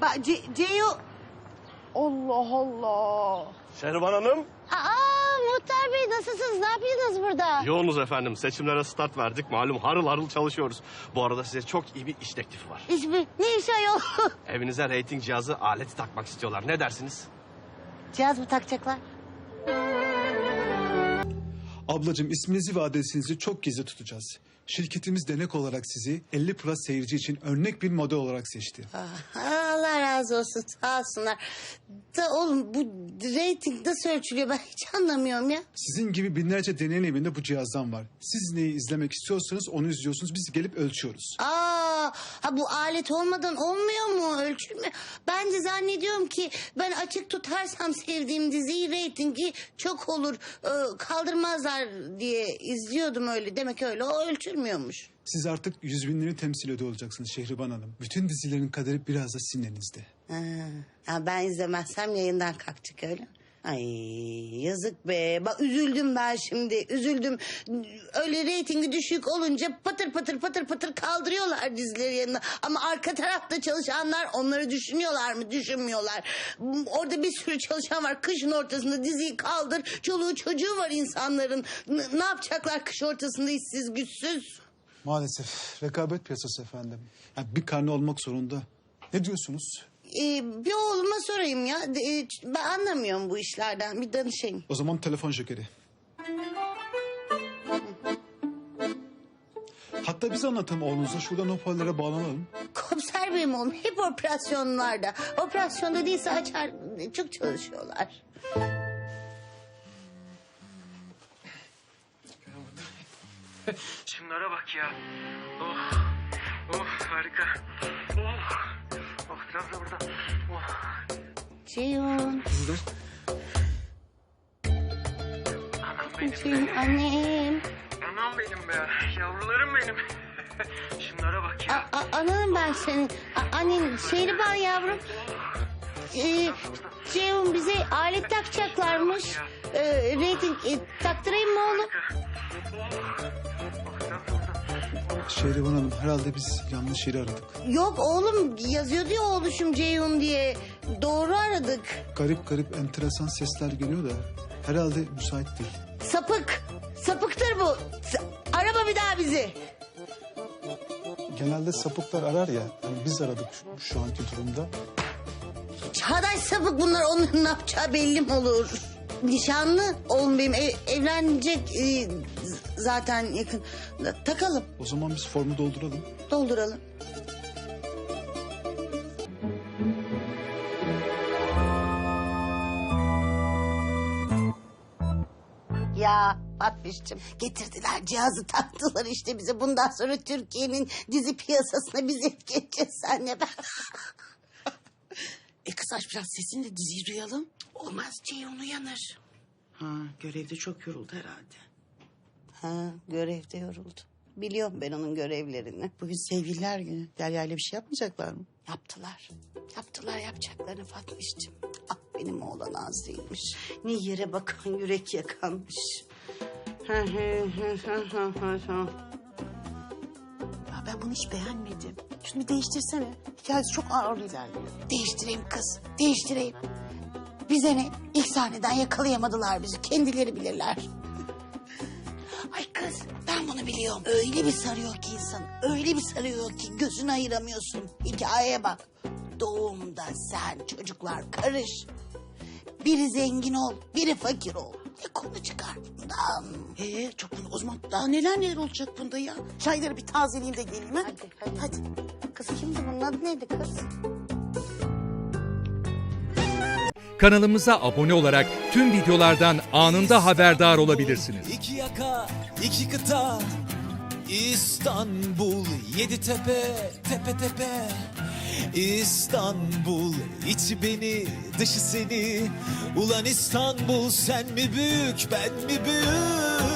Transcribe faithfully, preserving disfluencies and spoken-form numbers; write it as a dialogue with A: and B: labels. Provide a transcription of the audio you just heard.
A: Bak Ce Ceyo... Allah Allah.
B: Şehriban Hanım.
A: Aa Muhtar Bey nasılsınız? Ne yapıyorsunuz burada?
B: Yoğunuz efendim. Seçimlere start verdik. Malum harıl harıl çalışıyoruz. Bu arada size çok iyi bir iş teklifi var.
A: İş mi? Ne iş ayol?
B: Evinize reyting cihazı aleti takmak istiyorlar. Ne dersiniz?
A: Cihaz mı takacaklar?
C: Ablacığım isminizi ve adresinizi çok gizli tutacağız. Şirketimiz denek olarak sizi elli plus seyirci için örnek bir model olarak seçti.
A: Ah, Allah razı olsun sağ olsunlar. Da oğlum bu reyting nasıl ölçülüyor ben hiç anlamıyorum ya.
C: Sizin gibi binlerce deneyin evinde bu cihazdan var. Siz neyi izlemek istiyorsanız onu izliyorsunuz. Biz gelip ölçüyoruz.
A: Aa, ha bu alet olmadan olmuyor mu? Ölçülmüyor. Ben de zannediyorum ki ben açık tutarsam sevdiğim diziyi reytingi çok olur. e, kaldırmazlar diye izliyordum öyle. Demek öyle o ölçülmüyormuş.
C: Siz artık yüz binleri temsil ediyor olacaksınız Şehriban Hanım. Bütün dizilerin kaderi biraz da sizin elinizde.
A: Ha, ha, ben izlemezsem yayından kalkacak öyle. Ay yazık be. Bak üzüldüm ben şimdi. Üzüldüm. Öyle reytingi düşük olunca patır patır patır patır kaldırıyorlar dizileri yanına. Ama arka tarafta çalışanlar onları düşünüyorlar mı? Düşünmüyorlar. Orada bir sürü çalışan var. Kışın ortasında diziyi kaldır. Çoluğu çocuğu var insanların. N- ne yapacaklar kış ortasında işsiz güçsüz?
C: Maalesef rekabet piyasası efendim. Yani bir karne olmak zorunda. Ne diyorsunuz?
A: Ee, bir oğluma sorayım ya. Ee, ben anlamıyorum bu işlerden. Bir danışayım.
C: O zaman telefon şekeri. Hatta biz anlatalım oğlunuza. Şuradan hoparlöre bağlanalım.
A: Komiser benim oğlum hep operasyonlarda. Operasyonda değilse açar çok çalışıyorlar.
D: Şunlara bak ya. Oh. Oh harika. Oh. Oh biraz da burada. Oh.
A: Ceyhun.
C: Kızlar.
D: Anam benim
A: Ceyhun
D: be.
A: annem.
D: Anam benim be. Yavrularım benim. Şunlara bak ya.
A: A, a, ananım ben senin. A, annen Şehriban yavrum. Ee, Ceyhun bize alet takacaklarmış. Ee, reyting e, taktırayım mı oğlum?
C: Şehriban Hanım herhalde biz yanlış yeri aradık.
A: Yok oğlum yazıyordu ya oğluşum Ceyhun diye. Doğru aradık.
C: Garip garip enteresan sesler geliyor da herhalde müsait değil.
A: Sapık. Sapıktır bu. Sa- Arama bir daha bizi.
C: Genelde sapıklar arar ya. Yani biz aradık şu, şu anki durumda.
A: Çağdaş sapık bunlar onun ne yapacağı belli mi olur? Nişanlı oğlum benim ev, evlenecek e, z- zaten yakın. Takalım
C: O zaman biz formu dolduralım.
A: dolduralım. Ya Fatmiş'cim getirdiler cihazı taktılar işte bize. Bundan sonra Türkiye'nin dizi piyasasına biz geçeceğiz senle ben.
E: E kız aç biraz sesini de diziyi duyalım.
A: Olmaz Ceyhun uyanır.
E: Ha görevde çok yoruldu herhalde.
A: Ha görevde yoruldu. Biliyorum ben onun görevlerini.
E: Bugün sevgililer günü. Derya ile bir şey yapmayacaklar mı?
A: Yaptılar. Yaptılar yapacaklarını Fatmiş'cim. Ah benim oğlan az değilmiş. Ne yere bakan yürek yakanmış.
E: Ya ben bunu hiç beğenmedim. Şunu bir değiştirsene. Hikayesi çok ağır ilerliyor.
A: Değiştireyim kız. Değiştireyim. Bize ne? İlk sahneden yakalayamadılar bizi. Kendileri bilirler. Ay kız ben bunu biliyorum. Öyle bir sarıyor ki insan. Öyle bir sarıyor ki gözünü ayıramıyorsun. Hikayeye bak. Doğumda sen çocuklar karış. Biri zengin ol, biri fakir ol. Ne konu çıkar bundan?
E: Ee çok o zaman daha neler neler olacak bunda ya. Çayları bir tazeleyeyim de geleyim ha.
A: Hadi, hadi.
E: Hadi.
A: Kız kimdi bunun adı neydi kız?
F: Kanalımıza abone olarak tüm videolardan anında haberdar olabilirsiniz.
G: İki yaka, iki kıta, İstanbul, yedi tepe, tepe tepe. İstanbul, içi beni, dışı seni. Ulan İstanbul, sen mi büyük, ben mi büyük?